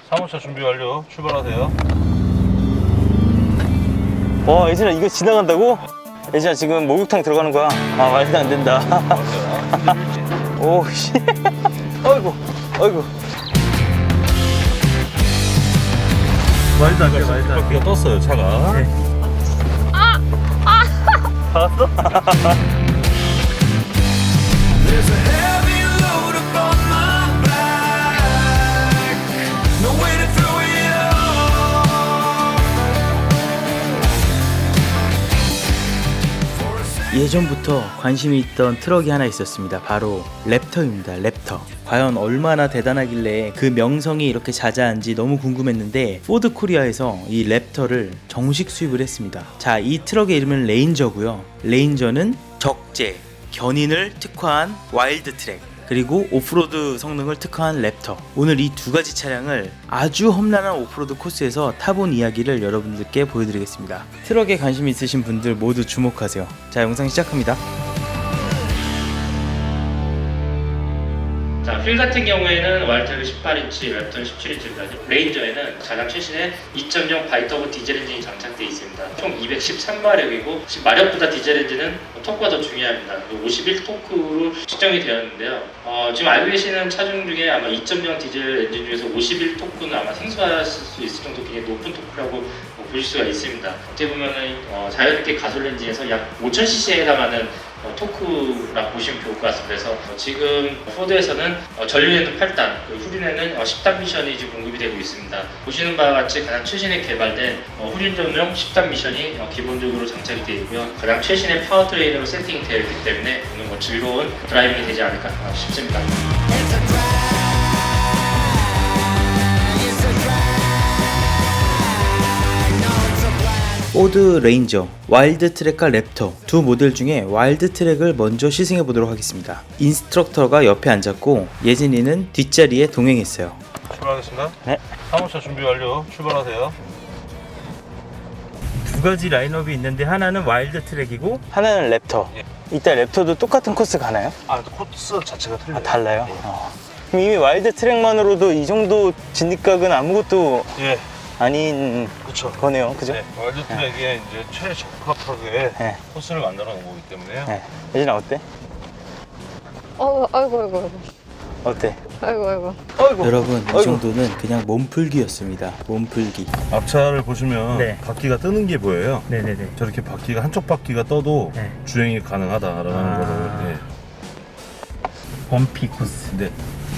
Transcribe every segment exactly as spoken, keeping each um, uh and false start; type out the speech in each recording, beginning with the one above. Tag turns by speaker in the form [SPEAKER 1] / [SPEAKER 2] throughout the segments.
[SPEAKER 1] 사무차 준비 완료. 출발하세요.
[SPEAKER 2] 와, 예진아, 이거 지나간다고? 예진아, 지금 목욕탕 들어가는 거야. 아, 말도 안 된다. 오, 씨. 어이구, 어이구.
[SPEAKER 1] 말도 안 돼, 말도 안 돼. 바퀴가 떴어요, 차가. 네.
[SPEAKER 2] 아! 아! 봤어?
[SPEAKER 3] There's a heavy load upon my back. No way to throw it off.
[SPEAKER 4] 예전부터 관심이 있던 트럭이 하나 있었습니다. 바로 랩터입니다. 랩터. 과연 얼마나 대단하길래 그 명성이 이렇게 자자한지 너무 궁금했는데 포드 코리아에서 이 랩터를 정식 수입을 했습니다. 자, 이 트럭의 이름은 레인저고요. 레인저는 적재, 견인을 특화한 와일드 트랙, 그리고 오프로드 성능을 특화한 랩터. 오늘 이 두 가지 차량을 아주 험난한 오프로드 코스에서 타본 이야기를 여러분들께 보여드리겠습니다. 트럭에 관심 있으신 분들 모두 주목하세요. 자, 영상 시작합니다.
[SPEAKER 5] 자, 휠 같은 경우에는 와일드트랙 십팔 인치, 랩터는 십칠 인치입니다. 레인저에는 가장 최신의 이 점 영 바이터보 디젤 엔진이 장착되어 있습니다. 총 이백십삼 마력이고 마력보다 디젤 엔진은 토크가 더 중요합니다. 오십일 토크로 측정이 되었는데요. 어, 지금 알고 계시는 차종 중에 아마 이 점 영 디젤 엔진 중에서 오십일 토크는 아마 생소하실 수 있을 정도 굉장히 높은 토크라고 보실 수가 있습니다. 어떻게 보면은 어, 자연스럽게 가솔린 엔진에서 약 오천 씨씨에 해당하는 어, 토크라 보시면 좋을 것 같습니다. 그래서 어, 지금 포드에서는 어, 전륜에는 팔 단, 후륜에는 어, 십 단 미션이 지금 공급이 되고 있습니다. 보시는 바와 같이 가장 최신에 개발된 어, 후륜 전용 십 단 미션이 어, 기본적으로 장착이 되어 있고요. 가장 최신의 파워트레인으로 세팅되어 있기 때문에 오늘 뭐 즐거운 드라이빙이 되지 않을까 싶습니다.
[SPEAKER 4] 포드 레인저, 와일드 트랙과 랩터 두 모델 중에 와일드 트랙을 먼저 시승해 보도록 하겠습니다. 인스트럭터가 옆에 앉았고 예진이는 뒷자리에 동행했어요.
[SPEAKER 1] 출발하겠습니다.
[SPEAKER 2] 네.
[SPEAKER 1] 사무차 준비 완료. 출발하세요.
[SPEAKER 4] 두 가지 라인업이 있는데 하나는 와일드 트랙이고
[SPEAKER 2] 하나는 랩터.
[SPEAKER 1] 예.
[SPEAKER 2] 이따 랩터도 똑같은 코스 가나요?
[SPEAKER 1] 아, 코스 자체가 틀려요.
[SPEAKER 2] 아, 달라요?
[SPEAKER 1] 예.
[SPEAKER 2] 어. 그럼 이미 와일드 트랙만으로도 이 정도 진입각은 아무것도
[SPEAKER 1] 예.
[SPEAKER 2] 아닌
[SPEAKER 1] 그렇죠.
[SPEAKER 2] 거네요. 그죠?
[SPEAKER 1] 네, 와일드 트랙에 이제 최적합하게
[SPEAKER 2] 네.
[SPEAKER 1] 코스를 만들어 놓은 거기 때문에요.
[SPEAKER 2] 네. 예진아, 어때?
[SPEAKER 6] 어, 아이고, 아이고, 아이고,
[SPEAKER 2] 어때?
[SPEAKER 6] 아이고, 아이고.
[SPEAKER 2] 어이구.
[SPEAKER 4] 여러분 이
[SPEAKER 2] 아이고.
[SPEAKER 4] 정도는 그냥 몸풀기였습니다. 몸풀기.
[SPEAKER 1] 앞차를 보시면
[SPEAKER 4] 네.
[SPEAKER 1] 바퀴가 뜨는 게 보여요.
[SPEAKER 4] 네네네.
[SPEAKER 1] 저렇게 바퀴가 한쪽 바퀴가 떠도
[SPEAKER 4] 네.
[SPEAKER 1] 주행이 가능하다라는
[SPEAKER 4] 아.
[SPEAKER 1] 거를. 예.
[SPEAKER 4] 범피 코스.
[SPEAKER 1] 네.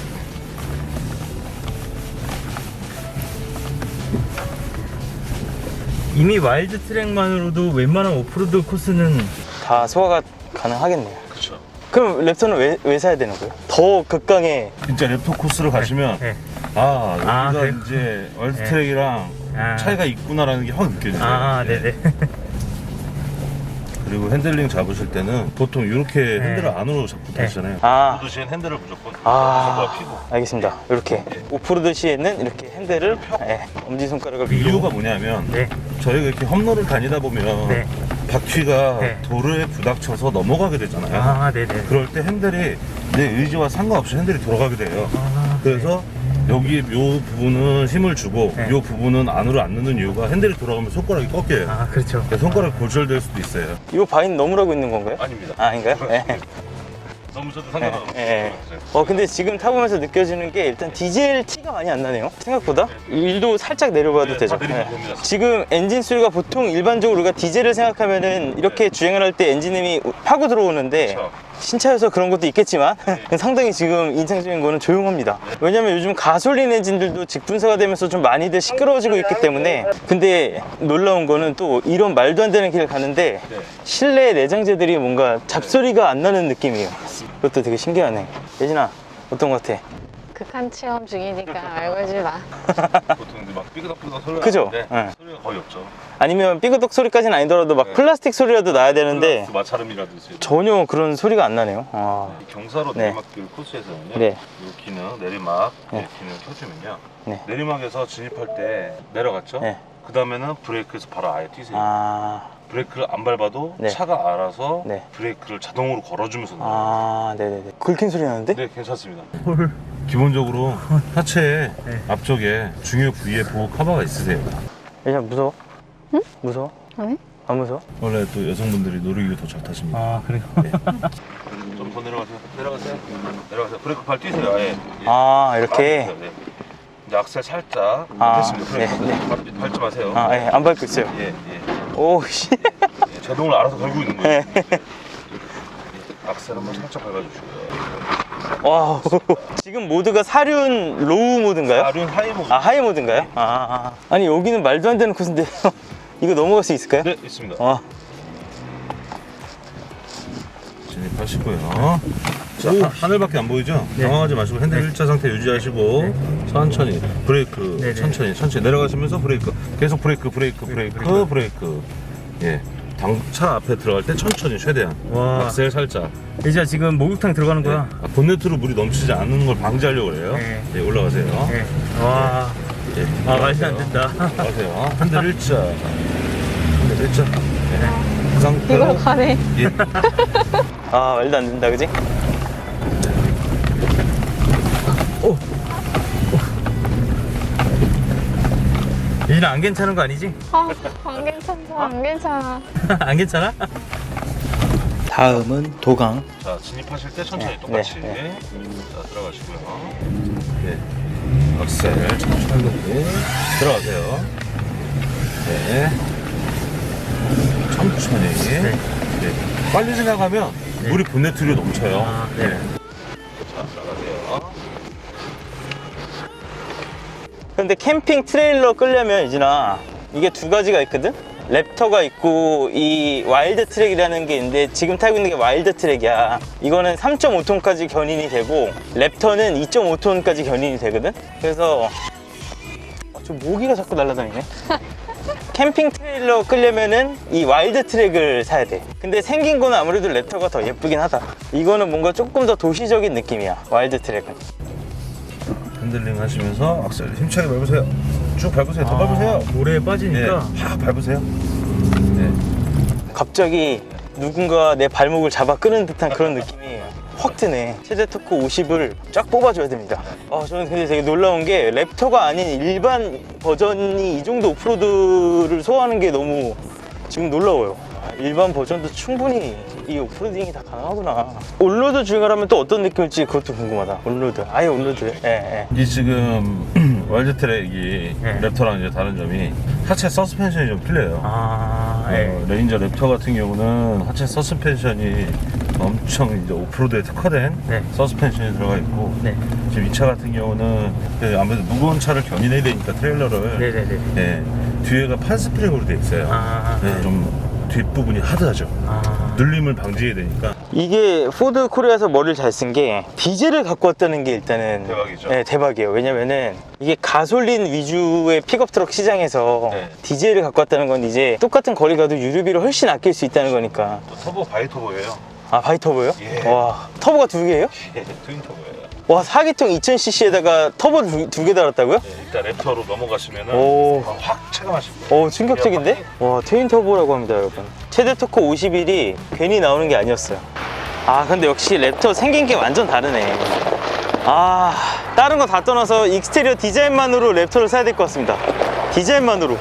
[SPEAKER 4] 이미 와일드 트랙만으로도 웬만한 오프로드 코스는
[SPEAKER 2] 다 소화가 가능하겠네요.
[SPEAKER 1] 그렇죠.
[SPEAKER 2] 그럼 랩터는 왜, 왜 사야 되는 거예요? 더 극강의
[SPEAKER 1] 진짜 랩터 코스를 가시면
[SPEAKER 4] 네.
[SPEAKER 1] 아 여기가
[SPEAKER 4] 아, 그래요?
[SPEAKER 1] 이제 와일드
[SPEAKER 4] 네.
[SPEAKER 1] 트랙이랑
[SPEAKER 4] 아.
[SPEAKER 1] 차이가 있구나라는 게 확 느껴져요.
[SPEAKER 4] 아,
[SPEAKER 1] 예.
[SPEAKER 4] 네네.
[SPEAKER 1] 그리고 핸들링 잡으실 때는 보통 이렇게 핸들을 안으로 잡고
[SPEAKER 4] 네.
[SPEAKER 1] 타시잖아요.
[SPEAKER 2] 아.
[SPEAKER 1] 모두 시엔 핸들을 무조건
[SPEAKER 2] 아,
[SPEAKER 1] 잡아 피고.
[SPEAKER 2] 알겠습니다. 이렇게 오프로드 시에는 이렇게 핸들을 예, 엄지손가락을
[SPEAKER 1] 그
[SPEAKER 2] 위로.
[SPEAKER 1] 이유가 뭐냐면
[SPEAKER 4] 네.
[SPEAKER 1] 저희가 이렇게 험로를 다니다 보면
[SPEAKER 4] 네.
[SPEAKER 1] 바퀴가
[SPEAKER 4] 네.
[SPEAKER 1] 도로에 부닥쳐서 넘어가게 되잖아요.
[SPEAKER 4] 아, 네네.
[SPEAKER 1] 그럴 때 핸들이 내 의지와 상관없이 핸들이 돌아가게 돼요.
[SPEAKER 4] 아,
[SPEAKER 1] 그래서 여기 요 부분은 힘을 주고
[SPEAKER 4] 네.
[SPEAKER 1] 요 부분은 안으로 안 넣는 이유가 핸들이 돌아가면 손가락이 꺾여요.
[SPEAKER 4] 아, 그렇죠.
[SPEAKER 1] 그래서 손가락이 골절될 수도 있어요.
[SPEAKER 2] 이거 바인 넘으라고 있는 건가요?
[SPEAKER 1] 아닙니다.
[SPEAKER 2] 아, 아닌가요? 예.
[SPEAKER 1] 너무 저도
[SPEAKER 2] 예,
[SPEAKER 1] 상관없어요.
[SPEAKER 2] 예. 어, 근데 지금 타보면서 느껴지는 게 일단 디젤 티가 많이 안 나네요. 생각보다. 일도 살짝 내려봐도
[SPEAKER 1] 네,
[SPEAKER 2] 되죠.
[SPEAKER 1] 다 내리면
[SPEAKER 2] 예.
[SPEAKER 1] 됩니다.
[SPEAKER 2] 지금 엔진 소리가 보통 일반적으로 우리가 디젤을 생각하면은 이렇게 주행을 할 때 엔진음이 파고 들어오는데
[SPEAKER 1] 그렇죠.
[SPEAKER 2] 신차여서 그런 것도 있겠지만 상당히 지금 인상적인 거는 조용합니다. 왜냐면 요즘 가솔린 엔진들도 직분사가 되면서 좀 많이들 시끄러워지고 있기 때문에. 근데 놀라운 거는 또 이런 말도 안 되는 길을 가는데
[SPEAKER 1] 네.
[SPEAKER 2] 실내 내장재들이 뭔가 잡소리가 안 나는 느낌이에요. 그것도 되게 신기하네. 예진아, 어떤 것 같아?
[SPEAKER 6] 극한 체험 중이니까 알고 하지 마.
[SPEAKER 1] 보통 이제 막 삐그덕삐그덕 소리가
[SPEAKER 2] 그죠?
[SPEAKER 1] 나는데
[SPEAKER 2] 네.
[SPEAKER 1] 소리가 거의 없죠.
[SPEAKER 2] 아니면 삐그덕 소리까지는 아니더라도 막
[SPEAKER 1] 네.
[SPEAKER 2] 플라스틱 소리라도 나야 되는데
[SPEAKER 1] 플러스 마찰음이라든지
[SPEAKER 2] 전혀 그런 소리가 안 나네요. 아,
[SPEAKER 1] 이 경사로
[SPEAKER 2] 네.
[SPEAKER 1] 내리막길 코스에서는요.
[SPEAKER 2] 네.
[SPEAKER 1] 이 기능 내리막
[SPEAKER 2] 네.
[SPEAKER 1] 이 기능 켜주면요.
[SPEAKER 2] 네.
[SPEAKER 1] 내리막에서 진입할 때 내려갔죠.
[SPEAKER 2] 네.
[SPEAKER 1] 그 다음에는 브레이크에서 바로 아예 뛰세요.
[SPEAKER 2] 아,
[SPEAKER 1] 브레이크를 안 밟아도
[SPEAKER 2] 네.
[SPEAKER 1] 차가 알아서
[SPEAKER 2] 네.
[SPEAKER 1] 브레이크를 자동으로 걸어주면서 나와요.
[SPEAKER 2] 아, 네네네. 긁힌 소리 나는데?
[SPEAKER 1] 네, 괜찮습니다.
[SPEAKER 4] 헐,
[SPEAKER 1] 기본적으로 하체
[SPEAKER 2] 네.
[SPEAKER 1] 앞쪽에 중요 부위에 보호 커버가 있으세요.
[SPEAKER 2] 그냥 무서워? 응? 무서워?
[SPEAKER 6] 아니?
[SPEAKER 2] 안 무서워?
[SPEAKER 1] 원래 또 여성분들이 놀이기구 더 잘 타십니다.
[SPEAKER 2] 아 그래요?
[SPEAKER 1] 좀 더 내려가세요. 내려가세요. 내려가세요. 브레이크 발 뛰세요. 아예.
[SPEAKER 2] 아 이렇게?
[SPEAKER 1] 네. 이제 악셀 살짝
[SPEAKER 2] 아,
[SPEAKER 1] 됐습니다. 브레이크
[SPEAKER 2] 네, 네.
[SPEAKER 1] 발, 밟지 마세요.
[SPEAKER 2] 아 예, 안 밟고 있어요.
[SPEAKER 1] 예, 예.
[SPEAKER 2] 오씨.
[SPEAKER 1] 예, 제동을 알아서 걸고 있는 거예요.
[SPEAKER 2] 네.
[SPEAKER 1] 악셀 한번 살짝 밟아주시고요.
[SPEAKER 2] 와 지금 모드가 사륜 로우 모드인가요?
[SPEAKER 1] 아륜 하이 모드.
[SPEAKER 2] 아 하이 모드인가요? 아, 아. 아니 여기는 말도 안 되는 코스인데 이거 넘어갈 수 있을까요?
[SPEAKER 1] 네, 있습니다.
[SPEAKER 2] 아,
[SPEAKER 1] 진입하시고요. 자, 하, 하늘밖에 안 보이죠?
[SPEAKER 2] 네.
[SPEAKER 1] 당황하지 마시고 핸들 일자 상태 유지하시고 천천히 브레이크
[SPEAKER 2] 네, 네.
[SPEAKER 1] 천천히 천천히 내려가시면서 브레이크 계속 브레이크 브레이크 브레이크 브레이크, 브레이크. 예. 당, 차 앞에 들어갈 때 천천히 최대한
[SPEAKER 2] 와.
[SPEAKER 1] 악셀 살짝.
[SPEAKER 2] 이제 지금 목욕탕 들어가는
[SPEAKER 1] 네. 아, 본네트로 물이 넘치지 않는 걸 방지하려고 그래요.
[SPEAKER 2] 네.
[SPEAKER 1] 예, 올라가세요.
[SPEAKER 2] 네. 와.
[SPEAKER 1] 예,
[SPEAKER 2] 아 말도 안 된다.
[SPEAKER 1] 올라가세요. 핸들 일자. 핸들 일자. 예. 그 상태로.
[SPEAKER 6] 이걸로 가네.
[SPEAKER 1] 예.
[SPEAKER 2] 아 말도 안 된다 그지? 오. 이제는 안 괜찮은 거 아니지?
[SPEAKER 6] 아, 안 괜찮아, 안 괜찮아.
[SPEAKER 2] 안 괜찮아?
[SPEAKER 4] 다음은 도강.
[SPEAKER 1] 자, 진입하실 때 천천히
[SPEAKER 2] 네,
[SPEAKER 1] 똑같이
[SPEAKER 2] 네,
[SPEAKER 1] 자, 들어가시고요. 네. 악셀 천천히 들어가세요. 네. 천천히. 네. 빨리 지나가면 물이 본네트로 넘쳐요.
[SPEAKER 2] 아, 네.
[SPEAKER 1] 자, 들어가세요.
[SPEAKER 2] 근데 캠핑 트레일러 끌려면 이진아 이게 두 가지가 있거든? 랩터가 있고 이 와일드 트랙이라는 게 있는데 지금 타고 있는 게 와일드 트랙이야. 이거는 삼 점 오 톤까지 견인이 되고 랩터는 이 점 오 톤까지 견인이 되거든? 그래서 아, 저 모기가 자꾸 날아다니네. 캠핑 트레일러 끌려면은 이 와일드 트랙을 사야 돼. 근데 생긴 거는 아무래도 랩터가 더 예쁘긴 하다. 이거는 뭔가 조금 더 도시적인 느낌이야, 와일드 트랙은.
[SPEAKER 1] 핸들링 하시면서 악셀 힘차게 밟으세요. 쭉 밟으세요. 더 밟으세요.
[SPEAKER 2] 모래에
[SPEAKER 1] 네,
[SPEAKER 2] 빠지니까
[SPEAKER 1] 확 밟으세요. 네.
[SPEAKER 2] 갑자기 누군가 내 발목을 잡아 끄는 듯한 그런 느낌이 확 드네. 최대 토크 오십을 쫙 뽑아줘야 됩니다. 아, 저는 근데 되게 놀라운 게 랩터가 아닌 일반 버전이 이 정도 오프로드를 소화하는 게 너무 지금 놀라워요. 아, 일반 버전도 충분히 이 오프로딩이 다 가능하구나. 올로드 주행을 하면 또 어떤 느낌일지 그것도 궁금하다. 올로드, 아예 올로드. 예, 예.
[SPEAKER 1] 이게 지금 와일드 트랙이
[SPEAKER 2] 네.
[SPEAKER 1] 랩터랑 이제 다른 점이 하체 서스펜션이 좀 틀려요.
[SPEAKER 2] 아,
[SPEAKER 1] 어, 레인저 랩터 같은 경우는 하체 서스펜션이 엄청 이제 오프로드에 특화된
[SPEAKER 2] 네.
[SPEAKER 1] 서스펜션이 들어가 있고
[SPEAKER 2] 네.
[SPEAKER 1] 지금 이 차 같은 경우는 그 아무래도 무거운 차를 견인해야 되니까 트레일러를
[SPEAKER 2] 네네네.
[SPEAKER 1] 예, 뒤에가 판 스프링으로 돼 있어요.
[SPEAKER 2] 아,
[SPEAKER 1] 예, 좀 뒷부분이 하드하죠.
[SPEAKER 2] 아.
[SPEAKER 1] 눌림을 방지해야 되니까.
[SPEAKER 2] 이게 포드 코리아에서 머리를 잘 쓴 게 디젤을 갖고 왔다는 게 일단은
[SPEAKER 1] 대박이죠.
[SPEAKER 2] 네, 대박이에요. 왜냐면은 이게 가솔린 위주의 픽업 트럭 시장에서
[SPEAKER 1] 네.
[SPEAKER 2] 디젤을 갖고 왔다는 건 이제 똑같은 거리 가도 유류비를 훨씬 아낄 수 있다는 거니까.
[SPEAKER 1] 또 터보 바이터보예요.
[SPEAKER 2] 아, 바이터보요?
[SPEAKER 1] 예.
[SPEAKER 2] 와, 터보가 두 개예요?
[SPEAKER 1] 예, 트윈 터보예요.
[SPEAKER 2] 와, 사 기통 이천 씨씨에다가 터보를 두 개 달았다고요?
[SPEAKER 1] 예, 일단 랩터로 넘어가시면은
[SPEAKER 2] 오.
[SPEAKER 1] 확 체감하실 거예요.
[SPEAKER 2] 오, 충격적인데? 와, 트윈 터보라고 합니다, 여러분. 최대 토크 오십일이 괜히 나오는 게 아니었어요. 아, 근데 역시 랩터 생긴 게 완전 다르네. 아, 다른 거 다 떠나서 익스테리어 디자인만으로 랩터를 사야 될 것 같습니다. 디자인만으로.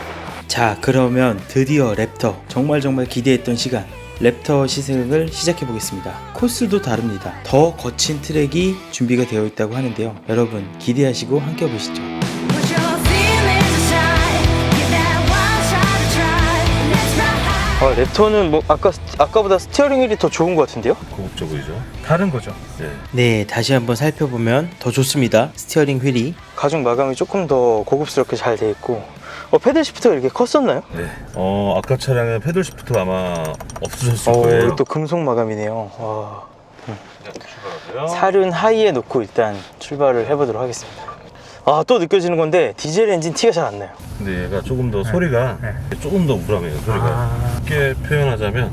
[SPEAKER 4] 자, 그러면 드디어 랩터. 정말 정말 기대했던 시간. 랩터 시승을 시작해 보겠습니다. 코스도 다릅니다. 더 거친 트랙이 준비가 되어 있다고 하는데요. 여러분 기대하시고 함께 보시죠.
[SPEAKER 7] Put your feelings aside, give that one shot a try. Let's ride high.
[SPEAKER 2] 아, 랩터는 뭐 아까 아까보다 스티어링 휠이 더 좋은 것 같은데요?
[SPEAKER 1] 고급져 보이죠?
[SPEAKER 2] 다른 거죠.
[SPEAKER 1] 네.
[SPEAKER 4] 네, 다시 한번 살펴보면 더 좋습니다. 스티어링 휠이.
[SPEAKER 2] 가죽 마감이 조금 더 고급스럽게 잘 돼 있고. 어, 패들 시프트가 이렇게 컸었나요?
[SPEAKER 1] 네. 어, 아까 차량은 패들 시프트 아마 없으셨을
[SPEAKER 2] 어,
[SPEAKER 1] 거예요.
[SPEAKER 2] 또 금속 마감이네요. 와.
[SPEAKER 1] 일단 출발하고요.
[SPEAKER 2] 사륜 하이에 놓고 일단 출발을 해보도록 하겠습니다. 아, 또 느껴지는 건데 디젤 엔진 티가 잘 안 나요.
[SPEAKER 1] 근데 얘가 조금 더 소리가 조금 더 우람해요. 소리가
[SPEAKER 2] 아.
[SPEAKER 1] 쉽게 표현하자면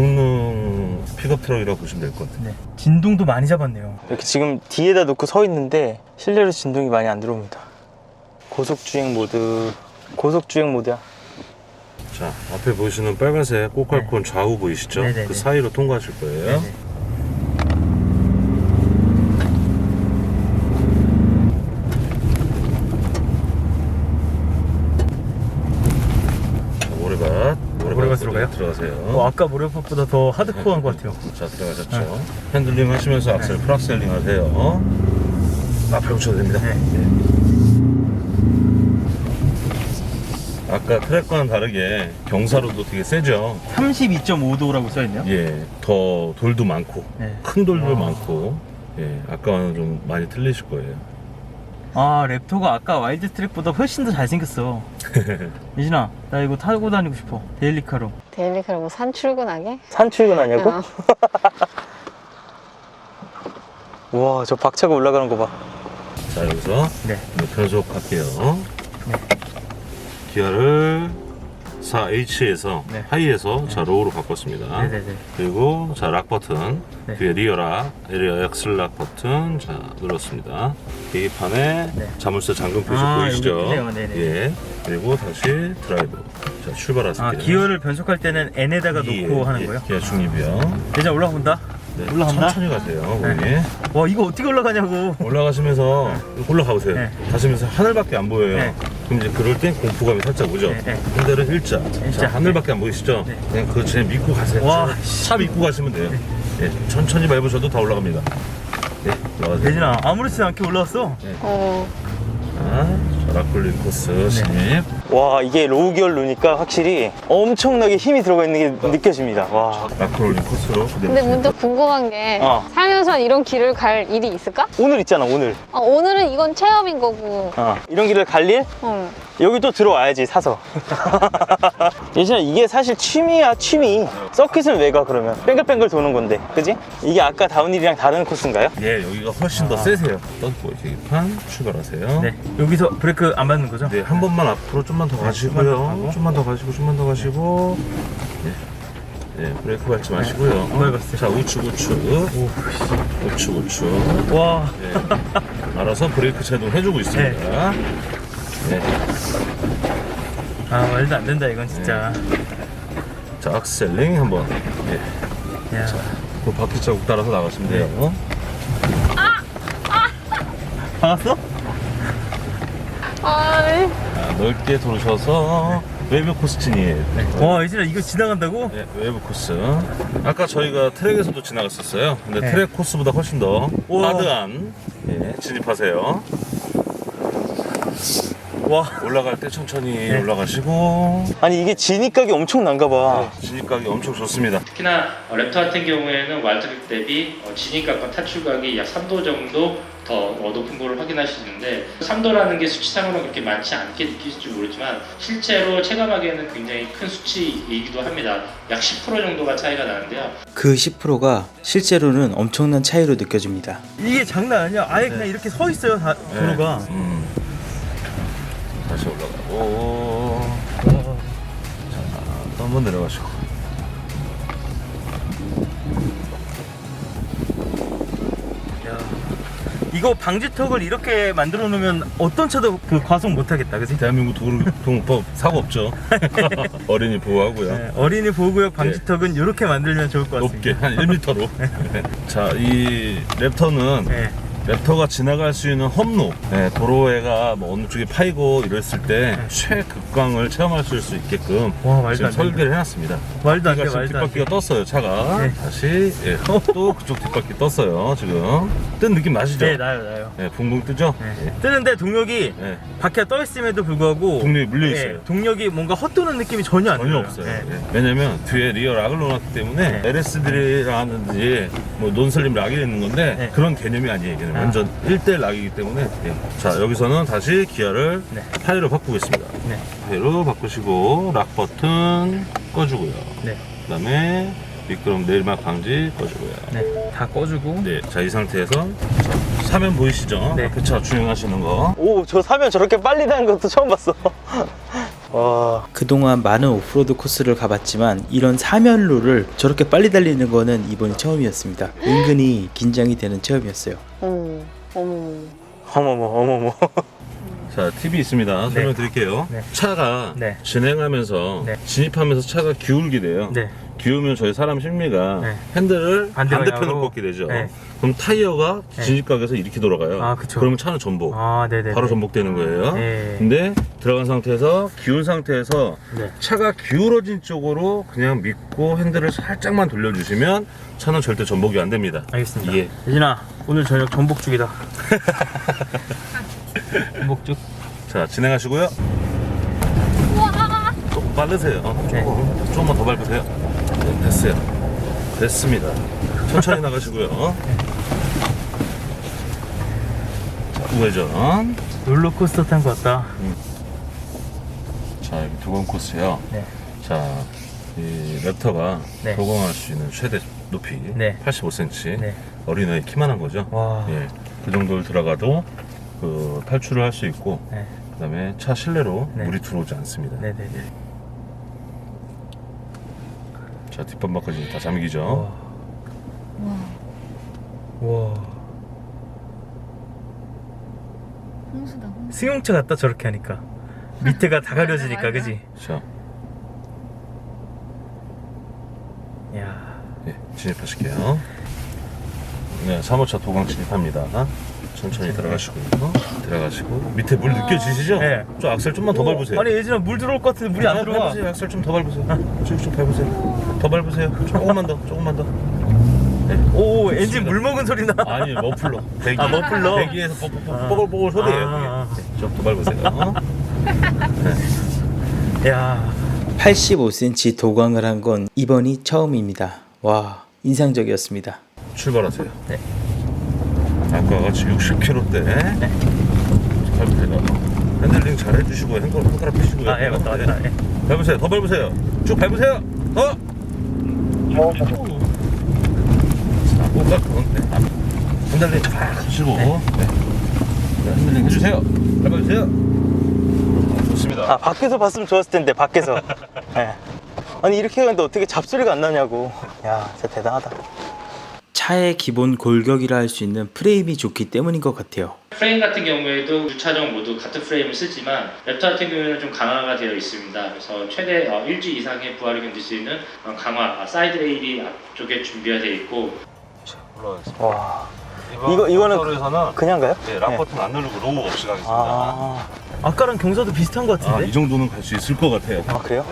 [SPEAKER 1] 고성능 픽업 트럭이라고 보시면 될 것 같아요.
[SPEAKER 2] 네. 진동도 많이 잡았네요. 이렇게 지금 뒤에다 놓고 서 있는데 실내로 진동이 많이 안 들어옵니다. 고속 주행 모드, 고속 주행 모드야.
[SPEAKER 1] 자, 앞에 보시는 빨간색 꼬깔콘 좌우 보이시죠?
[SPEAKER 2] 네네네.
[SPEAKER 1] 그 사이로 통과하실 거예요.
[SPEAKER 2] 네네.
[SPEAKER 4] 거예요?
[SPEAKER 1] 들어가세요.
[SPEAKER 4] 어, 아까 모래팝보다 더 하드코어한 것 같아요.
[SPEAKER 1] 자, 들어가셨죠. 핸들링 하시면서 악셀 프락셀링 하세요. 앞으로 붙여도 됩니다.
[SPEAKER 4] 네.
[SPEAKER 1] 예. 아까 트랙과는 다르게 경사로도 되게 세죠.
[SPEAKER 4] 삼십이 점 오 도라고 써있네요.
[SPEAKER 1] 예, 더 돌도 많고
[SPEAKER 4] 네.
[SPEAKER 1] 큰 돌도 많고, 예, 아까와는 좀 많이 틀리실 거예요.
[SPEAKER 4] 아, 랩터가 아까 와일드 트랙보다 훨씬 더 잘생겼어. 예진아, 나 이거 타고 다니고 싶어. 데일리카로.
[SPEAKER 6] 데일리카로 뭐 산 출근하게?
[SPEAKER 2] 산 출근하냐고?
[SPEAKER 6] 어.
[SPEAKER 2] 와, 저 박차가 올라가는 거 봐.
[SPEAKER 1] 자, 여기서
[SPEAKER 4] 네.
[SPEAKER 1] 변속 할게요. 기아를 사 에이치에서
[SPEAKER 4] 네.
[SPEAKER 1] 하이에서 자 로우로 바꿨습니다.
[SPEAKER 4] 네네네.
[SPEAKER 1] 그리고 자 락 버튼,
[SPEAKER 4] 네.
[SPEAKER 1] 뒤에 리어 락, 리어 엑셀 락 버튼 자 눌렀습니다. 계기판에
[SPEAKER 4] 네.
[SPEAKER 1] 자물쇠 잠금 표시
[SPEAKER 4] 아,
[SPEAKER 1] 보이시죠?
[SPEAKER 4] 여기 있네요. 네네.
[SPEAKER 1] 예. 그리고 다시 드라이브. 자 출발하세요.
[SPEAKER 4] 아, 기어를 변속할 때는 N에다가 놓고 하는 거예요?
[SPEAKER 1] 기아 중립이요.
[SPEAKER 4] 예진아, 올라가 본다.
[SPEAKER 1] 네,
[SPEAKER 4] 올라간다?
[SPEAKER 1] 천천히 가세요.
[SPEAKER 4] 네.
[SPEAKER 1] 거기.
[SPEAKER 4] 와, 이거 어떻게 올라가냐고.
[SPEAKER 1] 올라가시면서 올라가 보세요.
[SPEAKER 4] 네.
[SPEAKER 1] 가시면서 하늘밖에 안 보여요.
[SPEAKER 4] 네.
[SPEAKER 1] 그럼 이제 그럴 땐 공포감이 살짝 오죠.
[SPEAKER 4] 네, 네.
[SPEAKER 1] 핸들은 일자.
[SPEAKER 4] 일자.
[SPEAKER 1] 자, 하늘밖에 안 보이시죠?
[SPEAKER 4] 네.
[SPEAKER 1] 그냥 그거 그냥 믿고 가세요.
[SPEAKER 4] 와,
[SPEAKER 1] 차 믿고 가시면 돼요. 네. 천천히 밟으셔도 다 올라갑니다. 네, 올라가세요.
[SPEAKER 4] 예진아, 아무렇지도 않게 올라왔어.
[SPEAKER 6] 어.
[SPEAKER 1] 자, 락굴린 코스 진입.
[SPEAKER 2] 와, 이게 로우 기어를 누니까 확실히 엄청나게 힘이 들어가 있는 게 느껴집니다. 와.
[SPEAKER 1] 락굴린 코스로.
[SPEAKER 6] 근데 문득 궁금한 게
[SPEAKER 2] 어.
[SPEAKER 6] 살면서 이런 길을 갈 일이 있을까?
[SPEAKER 2] 오늘 있잖아, 오늘.
[SPEAKER 6] 어, 오늘은 이건 체험인 거고.
[SPEAKER 2] 어. 이런 길을 갈 일?
[SPEAKER 6] 어.
[SPEAKER 2] 여기 또 들어와야지, 사서. 예진아, 이게 사실 취미야, 취미. 서킷은 왜 가, 그러면? 뺑글뺑글 도는 건데, 그지? 이게 아까 다운힐이랑 다른 코스인가요?
[SPEAKER 1] 예, 여기가 훨씬 더 세세요. 떴고 계기판 출발하세요.
[SPEAKER 4] 네. 여기서 브레이크 안 받는 거죠?
[SPEAKER 1] 네, 한 번만 앞으로 좀만 더 가시고요. 좀만 더 가시고, 좀만 더 가시고. 네, 네 브레이크 밟지 마시고요.
[SPEAKER 4] 안 밟았어요.
[SPEAKER 1] 자, 우측, 우측. 우측, 우측.
[SPEAKER 4] 와.
[SPEAKER 1] 네. 알아서 브레이크 제동 해주고 있습니다. 네.
[SPEAKER 4] 아, 말도 안 된다, 이건 진짜.
[SPEAKER 1] 자, 악셀링 한번. 네.
[SPEAKER 4] 야.
[SPEAKER 1] 그 바퀴 자국 따라서 나가시면 돼요.
[SPEAKER 4] 봤어?
[SPEAKER 6] 아, 네.
[SPEAKER 1] 자, 넓게 돌으셔서 웨이브 코스 진입.
[SPEAKER 4] 와, 예진아, 이거 지나간다고?
[SPEAKER 1] 네, 웨이브 코스. 아까 저희가 트랙에서도 지나갔었어요. 근데
[SPEAKER 4] 네.
[SPEAKER 1] 트랙 코스보다 훨씬 더
[SPEAKER 4] 우와.
[SPEAKER 1] 하드한 예, 진입하세요.
[SPEAKER 4] 와.
[SPEAKER 1] 올라갈 때 천천히
[SPEAKER 4] 네.
[SPEAKER 1] 올라가시고
[SPEAKER 2] 아니, 이게 진입각이 엄청 난가 봐.
[SPEAKER 1] 진입각이 엄청 좋습니다.
[SPEAKER 5] 특히나 어, 랩터 같은 경우에는 와일드트랙 대비 어, 진입각과 탈출각이 약 삼 도 정도 더 어, 높은 거를 확인할 수 있는데 삼 도라는 게 수치상으로는 그렇게 많지 않게 느끼실지 모르지만 실제로 체감하기에는 굉장히 큰 수치이기도 합니다. 약 십 퍼센트 정도가 차이가 나는데요.
[SPEAKER 4] 그 십 퍼센트가 실제로는 엄청난 차이로 느껴집니다. 이게 장난 아니야. 아예 그냥 이렇게 서 있어요, 다, 도로가.
[SPEAKER 1] 네. 음. 다시 올라가고 자, 또 한번 내려가시고
[SPEAKER 4] 야, 이거 방지턱을 이렇게 만들어 놓으면 어떤 차도 그 과속 못 하겠다, 그지?
[SPEAKER 1] 대한민국 도로교통법 사고 없죠. 어린이 보호하고요.
[SPEAKER 4] 네, 어린이 보호구역 방지턱은 이렇게 만들면 좋을 것 같습니다.
[SPEAKER 1] 높게 한 일 미터로. 자, 이 랩터는
[SPEAKER 4] 네.
[SPEAKER 1] 랩터가 지나갈 수 있는 험로, 네, 도로에가 뭐 어느 쪽이 파이고 이랬을 때 최극광을 체험하실 수 있게끔
[SPEAKER 4] 와, 말도
[SPEAKER 1] 지금
[SPEAKER 4] 안 돼.
[SPEAKER 1] 설계를 해놨습니다.
[SPEAKER 4] 말도 안 돼,
[SPEAKER 1] 지금
[SPEAKER 4] 말도 안 돼.
[SPEAKER 1] 뒷바퀴가 떴어요, 차가.
[SPEAKER 4] 네.
[SPEAKER 1] 다시 예, 또 그쪽 뒷바퀴 떴어요, 지금. 뜬 느낌 나시죠?
[SPEAKER 4] 네, 나요, 나요.
[SPEAKER 1] 네, 붕붕 뜨죠?
[SPEAKER 4] 네. 뜨는데 동력이
[SPEAKER 1] 네.
[SPEAKER 4] 바퀴가 떠 있음에도 불구하고
[SPEAKER 1] 동력이 물려있어요.
[SPEAKER 4] 네, 동력이 뭔가 헛도는 느낌이 전혀 안
[SPEAKER 1] 전혀
[SPEAKER 4] 들어요.
[SPEAKER 1] 없어요.
[SPEAKER 4] 네.
[SPEAKER 1] 예. 왜냐면 뒤에 리어 락을 넣어놨기 때문에
[SPEAKER 4] 네.
[SPEAKER 1] 엘에스디라든지 뭐 논슬림 락이 있는 건데
[SPEAKER 4] 네.
[SPEAKER 1] 그런 개념이 아니에요. 얘는
[SPEAKER 4] 아.
[SPEAKER 1] 완전 일 대 일 락이기 때문에. 예. 자, 여기서는 다시 기아를
[SPEAKER 4] 네.
[SPEAKER 1] 하이로 바꾸겠습니다.
[SPEAKER 4] 네.
[SPEAKER 1] 하이로 바꾸시고 락 버튼 꺼주고요.
[SPEAKER 4] 네.
[SPEAKER 1] 그 다음에 미끄럼 내리막 방지 꺼주고요.
[SPEAKER 4] 네. 다 꺼주고.
[SPEAKER 1] 네, 자, 이 상태에서 자, 사면 보이시죠?
[SPEAKER 4] 네.
[SPEAKER 1] 앞에 차 주행하시는 거.
[SPEAKER 2] 오, 저 사면 저렇게 빨리 다는 것도 처음 봤어. 와.
[SPEAKER 4] 그동안 많은 오프로드 코스를 가봤지만 이런 사면로를 저렇게 빨리 달리는 거는 이번이 처음이었습니다. 은근히 긴장이 되는 체험이었어요.
[SPEAKER 6] 어머, 어머.
[SPEAKER 2] 어머머, 어머머.
[SPEAKER 1] 자, 팁이 있습니다. 설명드릴게요.
[SPEAKER 4] 네.
[SPEAKER 1] 차가
[SPEAKER 4] 네.
[SPEAKER 1] 진행하면서
[SPEAKER 4] 네.
[SPEAKER 1] 진입하면서 차가 기울게 돼요.
[SPEAKER 4] 네.
[SPEAKER 1] 기우면 저희 사람 심리가
[SPEAKER 4] 네.
[SPEAKER 1] 핸들을
[SPEAKER 4] 반대
[SPEAKER 1] 반대편을
[SPEAKER 4] 방향으로.
[SPEAKER 1] 꺾게 되죠.
[SPEAKER 4] 네.
[SPEAKER 1] 그럼 타이어가
[SPEAKER 4] 네.
[SPEAKER 1] 진입각에서 이렇게 돌아가요.
[SPEAKER 4] 아, 그쵸.
[SPEAKER 1] 그러면 차는 전복.
[SPEAKER 4] 아, 네네.
[SPEAKER 1] 바로 전복되는 거예요.
[SPEAKER 4] 네.
[SPEAKER 1] 근데 들어간 상태에서 기운 상태에서
[SPEAKER 2] 네.
[SPEAKER 1] 차가 기울어진 쪽으로 그냥 믿고 핸들을 살짝만 돌려주시면 차는 절대 전복이 안 됩니다.
[SPEAKER 2] 알겠습니다.
[SPEAKER 1] 예.
[SPEAKER 2] 예진아, 오늘 저녁 전복죽이다. 전복죽.
[SPEAKER 1] 자, 진행하시고요. 조금 빠르세요. 조금, 조금만 더 밟으세요. 네, 됐어요. 됐습니다. 천천히 나가시고요. 자, 우회전.
[SPEAKER 2] 롤러코스터 탄 것 같다.
[SPEAKER 1] 자, 여기 도공 코스요.
[SPEAKER 2] 네.
[SPEAKER 1] 자, 이 랩터가
[SPEAKER 2] 네.
[SPEAKER 1] 도공할 수 있는 최대 높이
[SPEAKER 2] 네.
[SPEAKER 1] 팔십오 센티미터.
[SPEAKER 2] 네.
[SPEAKER 1] 어린아이 키만한 거죠.
[SPEAKER 2] 와.
[SPEAKER 1] 예, 그 정도를 들어가도 그 탈출을 할 수 있고,
[SPEAKER 2] 네.
[SPEAKER 1] 그다음에 차 실내로
[SPEAKER 2] 네.
[SPEAKER 1] 물이 들어오지 않습니다.
[SPEAKER 2] 네네네.
[SPEAKER 1] 자, 뒷범퍼까지 다 잠기죠.
[SPEAKER 2] 와.
[SPEAKER 6] 홍수다, 홍수.
[SPEAKER 2] 승용차 같다, 저렇게 하니까. 밑에가 다 가려지니까, 그지?
[SPEAKER 1] 자,
[SPEAKER 2] 야.
[SPEAKER 1] 예, 진입하실게요. 네, 삼 호차 도강 진입합니다. 천천히 들어가시고요. 들어가시고 밑에 물 느껴지시죠?
[SPEAKER 2] 네.
[SPEAKER 1] 좀 악셀 좀만 더 밟으세요.
[SPEAKER 2] 아니, 예진아, 물 들어올 것 같은데 물이 안
[SPEAKER 1] 아,
[SPEAKER 2] 들어와.
[SPEAKER 1] 밟으세요. 악셀 좀 더 밟으세요. 쭉쭉 밟으세요. 더 밟으세요. 조금만 더, 조금만 더. 네.
[SPEAKER 2] 오, 엔진
[SPEAKER 1] 좋습니다.
[SPEAKER 2] 물 먹은 소리 나.
[SPEAKER 1] 아니, 머플러. 배기.
[SPEAKER 2] 아, 머플러?
[SPEAKER 1] 배기에서 뽀뽀뽀, 뽀글뽀글 소리예요.
[SPEAKER 2] 아.
[SPEAKER 1] 그게. 네, 좀 더 밟으세요.
[SPEAKER 2] 야.
[SPEAKER 4] 팔십오 센티미터 도광을 한 건 이번이 처음입니다. 와, 인상적이었습니다.
[SPEAKER 1] 출발하세요.
[SPEAKER 2] 네.
[SPEAKER 1] 아까 같이 육십 킬로미터대. 네. 밟으세요. 핸들링 잘 해주시고 핸들 손가락 펴시고요.
[SPEAKER 2] 아, 예, 맞다, 맞다. 예.
[SPEAKER 1] 밟으세요. 더 밟으세요. 쭉 밟으세요. 더. 자, 꼭딱 네. 핸들링 쫙 하시고. 네. 네, 핸들링 해주세요. 밟아주세요. 좋습니다.
[SPEAKER 2] 아, 밖에서 봤으면 좋았을 텐데, 밖에서. 예. 아니, 이렇게 하는데 어떻게 잡소리가 안 나냐고. 야, 진짜 대단하다.
[SPEAKER 4] 차의 기본 골격이라 할 수 있는 프레임이 좋기 때문인 것 같아요.
[SPEAKER 5] 프레임 같은 경우에도 두 차종 모두 같은 프레임을 쓰지만 랩터 같은 경우에는 좀 강화가 되어 있습니다. 그래서 최대 어, 일 주 이상의 부하를 견딜 수 있는 어, 강화 아, 사이드 레일이 앞쪽에 준비가 되어 있고.
[SPEAKER 1] 올라가겠습니다.
[SPEAKER 2] 와. 이거- 이거는
[SPEAKER 1] 에서는
[SPEAKER 2] 그냥 가요?
[SPEAKER 1] 네, 락 버튼 안 누르고 로우 없이 가겠습니다.
[SPEAKER 2] 아. 아까랑 경사도 비슷한 것
[SPEAKER 1] 아,
[SPEAKER 2] 같은데?
[SPEAKER 1] 이 정도는 갈 수 있을 것 같아요.
[SPEAKER 2] 아, 그래요?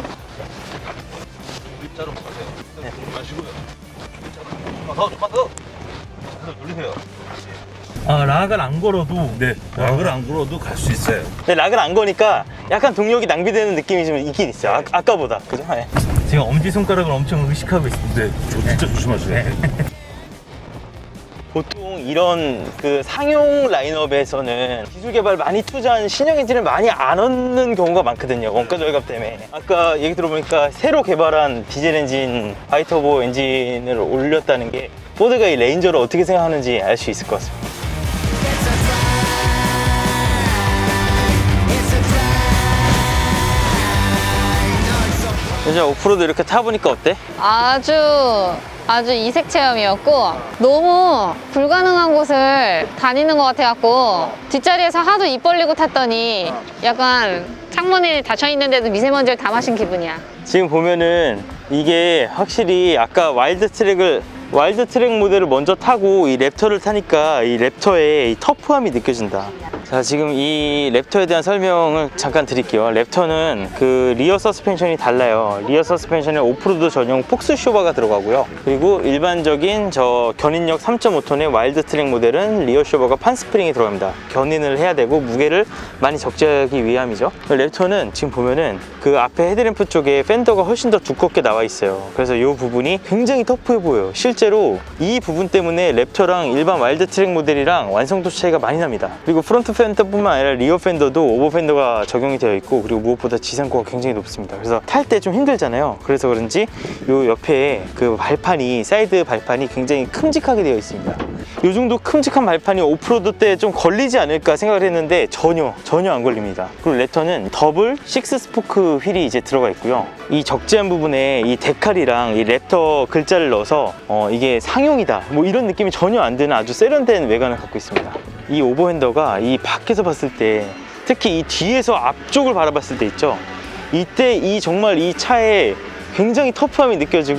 [SPEAKER 1] 일자로 가세요. 네. 마시고요. 조금만 더, 조금만 더. 핸들 돌리세요.
[SPEAKER 2] 아, 락을 안 걸어도.
[SPEAKER 1] 네, 락을 안 걸어도 갈 수 있어요.
[SPEAKER 2] 근데 락을 안 거니까 약간 동력이 낭비되는 느낌이 좀 있긴 있어요. 아, 아까보다. 그죠? 네. 지금 엄지손가락을 엄청 의식하고 있습니다.
[SPEAKER 1] 네, 저 진짜 조심하셔야 돼요.
[SPEAKER 2] 보통 이런 그 상용 라인업에서는 기술 개발 많이 투자한 신형 엔진을 많이 안 얻는 경우가 많거든요. 원가 절감 때문에. 아까 얘기 들어보니까 새로 개발한 디젤 엔진, 바이터보 엔진을 올렸다는 게 포드가 이 레인저를 어떻게 생각하는지 알 수 있을 것 같습니다. 이제 오프로드 이렇게 타보니까 어때?
[SPEAKER 6] 아주 아주 이색 체험이었고 너무 불가능한 곳을 다니는 것 같아갖고 뒷자리에서 하도 입 벌리고 탔더니 약간 창문이 닫혀 있는데도 미세먼지를 다 마신 기분이야.
[SPEAKER 2] 지금 보면은 이게 확실히 아까 와일드 트랙을 와일드 트랙 모델을 먼저 타고 이 랩터를 타니까 이 랩터의 이 터프함이 느껴진다. 자, 지금 이 랩터에 대한 설명을 잠깐 드릴게요. 랩터는 그 리어 서스펜션이 달라요. 리어 서스펜션에 오프로드 전용 폭스 쇼바가 들어가고요. 그리고 일반적인 저 견인력 삼 점 오 톤의 와일드 트랙 모델은 리어 쇼바가 판 스프링이 들어갑니다. 견인을 해야 되고 무게를 많이 적재하기 위함이죠. 랩터는 지금 보면은 그 앞에 헤드램프 쪽에 팬더가 훨씬 더 두껍게 나와 있어요. 그래서 이 부분이 굉장히 터프해 보여요. 실제로 이 부분 때문에 랩터랑 일반 와일드 트랙 모델이랑 완성도 차이가 많이 납니다. 그리고 프론트 팬더뿐만 아니라 리어 팬더도 오버 팬더가 적용이 되어 있고, 그리고 무엇보다 지상고가 굉장히 높습니다. 그래서 탈 때 좀 힘들잖아요. 그래서 그런지 요 옆에 그 발판이, 사이드 발판이 굉장히 큼직하게 되어 있습니다. 요 정도 큼직한 발판이 오프로드 때 좀 걸리지 않을까 생각을 했는데 전혀 전혀 안 걸립니다. 그리고 랩터는 더블 식스 스포크 휠이 이제 들어가 있고요. 이 적재한 부분에 이 데칼이랑 이 랩터 글자를 넣어서 어 이게 상용이다 뭐 이런 느낌이 전혀 안 드는 아주 세련된 외관을 갖고 있습니다. 이 오버핸더가 이 밖에서 봤을 때, 특히 이 뒤에서 앞쪽을 바라봤을 때 있죠, 이때 이 정말 이 차에 굉장히 터프함이 느껴지고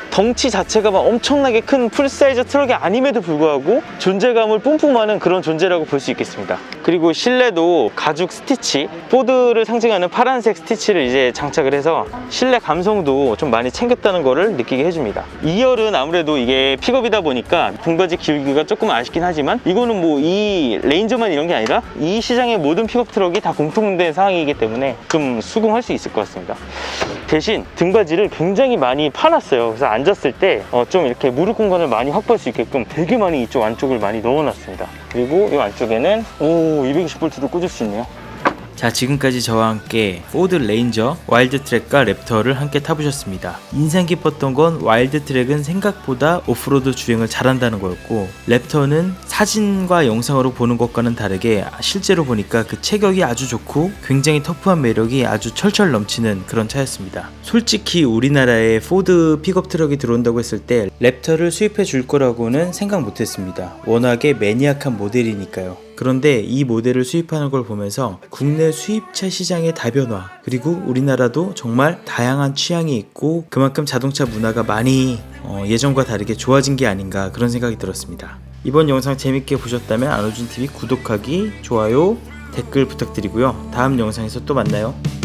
[SPEAKER 2] 덩치 자체가 막 엄청나게 큰 풀사이즈 트럭이 아님에도 불구하고 존재감을 뿜뿜하는 그런 존재라고 볼 수 있겠습니다. 그리고 실내도 가죽 스티치, 포드를 상징하는 파란색 스티치를 이제 장착을 해서 실내 감성도 좀 많이 챙겼다는 거를 느끼게 해줍니다. 이 열은 아무래도 이게 픽업이다 보니까 등받이 기울기가 조금 아쉽긴 하지만 이거는 뭐 이 레인저만 이런 게 아니라 이 시장의 모든 픽업 트럭이 다 공통된 상황이기 때문에 좀 수긍할 수 있을 것 같습니다. 대신 등받이를 굉장히 많이 파놨어요. 그래서 앉았을 때 좀 이렇게 무릎 공간을 많이 확보할 수 있게끔 되게 많이 이쪽 안쪽을 많이 넣어놨습니다. 그리고 이 안쪽에는 오 이백이십 볼트도 꽂을 수 있네요.
[SPEAKER 4] 자, 지금까지 저와 함께 포드 레인저, 와일드 트랙과 랩터를 함께 타보셨습니다. 인상 깊었던 건 와일드 트랙은 생각보다 오프로드 주행을 잘한다는 거였고, 랩터는 사진과 영상으로 보는 것과는 다르게 실제로 보니까 그 체격이 아주 좋고 굉장히 터프한 매력이 아주 철철 넘치는 그런 차였습니다. 솔직히 우리나라에 포드 픽업 트럭이 들어온다고 했을 때 랩터를 수입해 줄 거라고는 생각 못했습니다. 워낙에 매니악한 모델이니까요. 그런데 이 모델을 수입하는 걸 보면서 국내 수입차 시장의 다변화, 그리고 우리나라도 정말 다양한 취향이 있고 그만큼 자동차 문화가 많이 어, 예전과 다르게 좋아진 게 아닌가 그런 생각이 들었습니다. 이번 영상 재밌게 보셨다면 안호준티비 구독하기, 좋아요, 댓글 부탁드리고요. 다음 영상에서 또 만나요.